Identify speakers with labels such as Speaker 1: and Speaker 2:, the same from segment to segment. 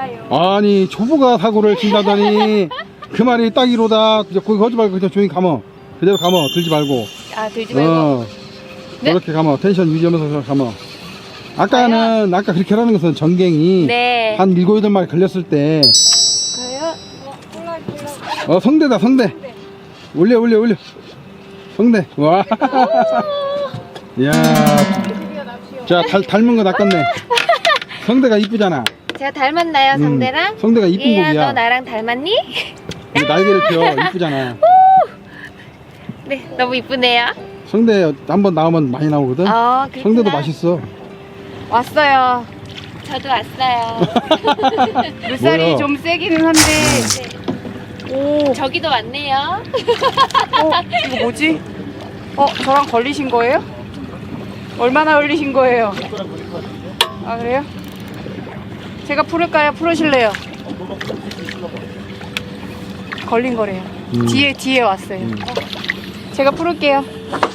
Speaker 1: 몰라요.
Speaker 2: 아니 초보가 사고를 친다더니 그 말이 딱이로다. 거기 거지 말고 그냥 조용히 감어. 그대로 감어. 들지 말고.
Speaker 1: 아, 들지 말고. 네?
Speaker 2: 그렇게 감어. 텐션 유지하면서 감어. 아까는 아까 그렇게 하라는 것은 전갱이
Speaker 1: 네.
Speaker 2: 한 7, 8마리 걸렸을 때
Speaker 1: 가요?
Speaker 2: 성대다 성대. 올려 성대. 와. 이야. 자 닮은 거 낚았네. 성대가 이쁘잖아.
Speaker 1: 제가 닮았나요, 성대랑?
Speaker 2: 성대가 이쁜
Speaker 1: 얘야,
Speaker 2: 곡이야.
Speaker 1: 너 나랑 닮았니?
Speaker 2: 이게 날개를 펴. 이쁘잖아.
Speaker 1: 네, 너무 이쁘네요.
Speaker 2: 성대 한번 나오면 많이 나오거든.
Speaker 1: 아, 그렇구나.
Speaker 2: 성대도 맛있어.
Speaker 1: 왔어요. 저도 왔어요.
Speaker 3: 물살이
Speaker 2: 뭐야?
Speaker 3: 좀 세기는 한데. 오,
Speaker 1: 저기도 왔네요.
Speaker 3: 이거 뭐지? 저랑 걸리신 거예요? 얼마나 걸리신 거예요? 아, 그래요? 제가 풀을까요? 풀으실래요? 걸린 거래요. 뒤에 왔어요. 제가 풀을게요.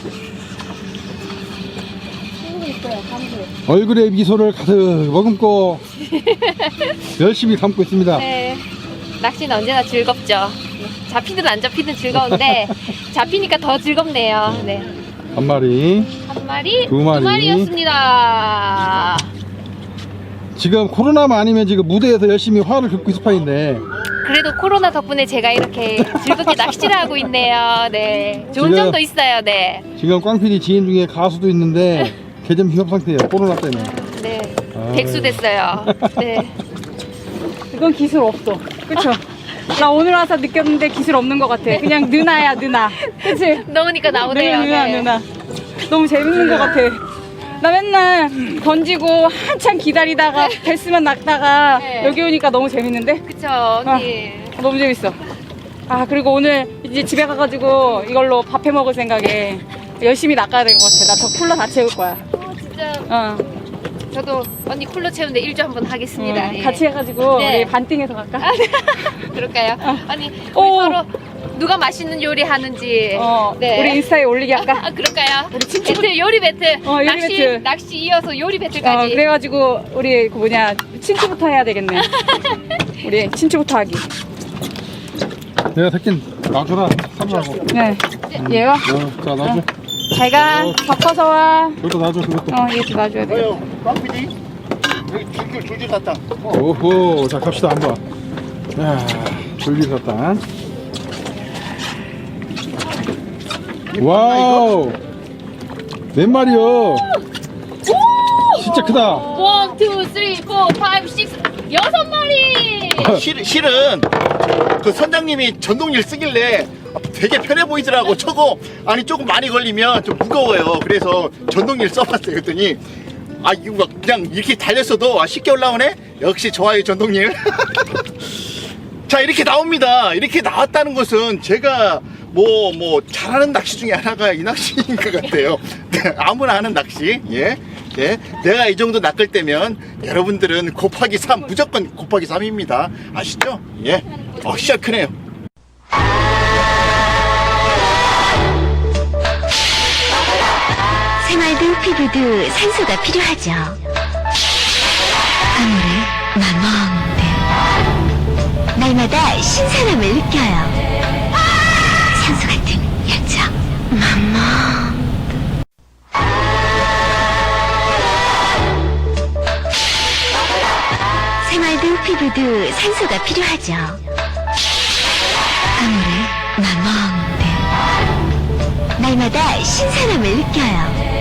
Speaker 2: 얼굴에 미소를 가득 머금고 열심히 담고 있습니다.
Speaker 1: 네. 낚시는 언제나 즐겁죠. 잡히든 안 잡히든 즐거운데 잡히니까 더 즐겁네요. 네.
Speaker 2: 한 마리.
Speaker 1: 한 마리,
Speaker 2: 두 마리.
Speaker 1: 두 마리였습니다.
Speaker 2: 지금 코로나만 아니면 지금 무대에서 열심히 화를 긁고 있을 판인데
Speaker 1: 그래도 코로나 덕분에 제가 이렇게 즐겁게 낚시를 하고 있네요. 네. 좋은
Speaker 2: 지금-
Speaker 1: 점도 있어요. 네.
Speaker 2: 지금 꽝PD 지인 중에 가수도 있는데 개점 휴업 상태예요. 코로나 때문에.
Speaker 1: 네.
Speaker 2: 아유.
Speaker 1: 백수 됐어요. 네.
Speaker 3: 이건 기술 없어. 그쵸? 나 오늘 와서 느꼈는데 기술 없는 것 같아. 그냥 느나야, 느나. 그치?
Speaker 1: 넣으니까 나오네요.
Speaker 3: 느나,
Speaker 1: 네.
Speaker 3: 느나. 너무 재밌는 것 같아. 나 맨날 던지고 한참 기다리다가 뱄으면 낚다가
Speaker 1: 네.
Speaker 3: 여기 오니까 너무 재밌는데?
Speaker 1: 그쵸, 언니.
Speaker 3: 너무 재밌어. 아, 그리고 오늘 이제 집에 가가지고 이걸로 밥 해 먹을 생각에 열심히 낚아야 될 것 같아. 나 저 쿨러 다 채울 거야.
Speaker 1: 진짜 저도 언니 쿨러 채우는데 일조 한번 하겠습니다. 예.
Speaker 3: 같이 해가지고
Speaker 1: 네.
Speaker 3: 우리 반띵해서 갈까?
Speaker 1: 그럴까요? 아니 우리
Speaker 3: 오.
Speaker 1: 서로 누가 맛있는 요리 하는지 네.
Speaker 3: 우리 인스타에 올리게 할까?
Speaker 1: 아 그럴까요? 배틀 요리 배틀
Speaker 3: 요리
Speaker 1: 낚시
Speaker 3: 배틀.
Speaker 1: 낚시 이어서 요리 배틀까지
Speaker 3: 그래가지고 우리 그 뭐냐 친추부터 해야 되겠네. 우리 친추부터 하기.
Speaker 2: 내가 새끼 놔줘라. 삼라고.
Speaker 3: 네. 얘가
Speaker 2: 자 놔줘.
Speaker 3: 제가 덮어서 와.
Speaker 2: 그것도 놔줘 그것도.
Speaker 3: 얘도 놔줘야 돼.
Speaker 4: 꽝PD 여기 줄줄 샀다.
Speaker 2: 오호. 자 갑시다 한번. 야 돌리셨다. 와우. 몇 마리요? 진짜 크다.
Speaker 1: 1, 2, 3, 4, 5, 6 여섯 마리
Speaker 4: 실은 그 선장님이 전동릴 쓰길래 되게 편해 보이더라고. 저거 아니 조금 많이 걸리면 좀 무거워요. 그래서 전동릴 써봤어요. 그랬더니 아 이거 막 그냥 이렇게 달렸어도 쉽게 올라오네. 역시 좋아요 전동릴. 자 이렇게 나옵니다. 이렇게 나왔다는 것은 제가 뭐 잘하는 낚시 중에 하나가 이 낚시인 것 같아요. 아무나 하는 낚시. 예. 예. 내가 이 정도 낚을 때면 여러분들은 곱하기 3 무조건 곱하기 3입니다. 아시죠? 예. 시작 크네요.
Speaker 5: 생활도 피부도 산소가 필요하죠. 아무리 맘먹는데 날마다 신선함을 느껴요. 산소 같은 열정 맘먹. 생활도 피부도 산소가 필요하죠. 아무리 맘먹는데 날마다 신선함을 느껴요.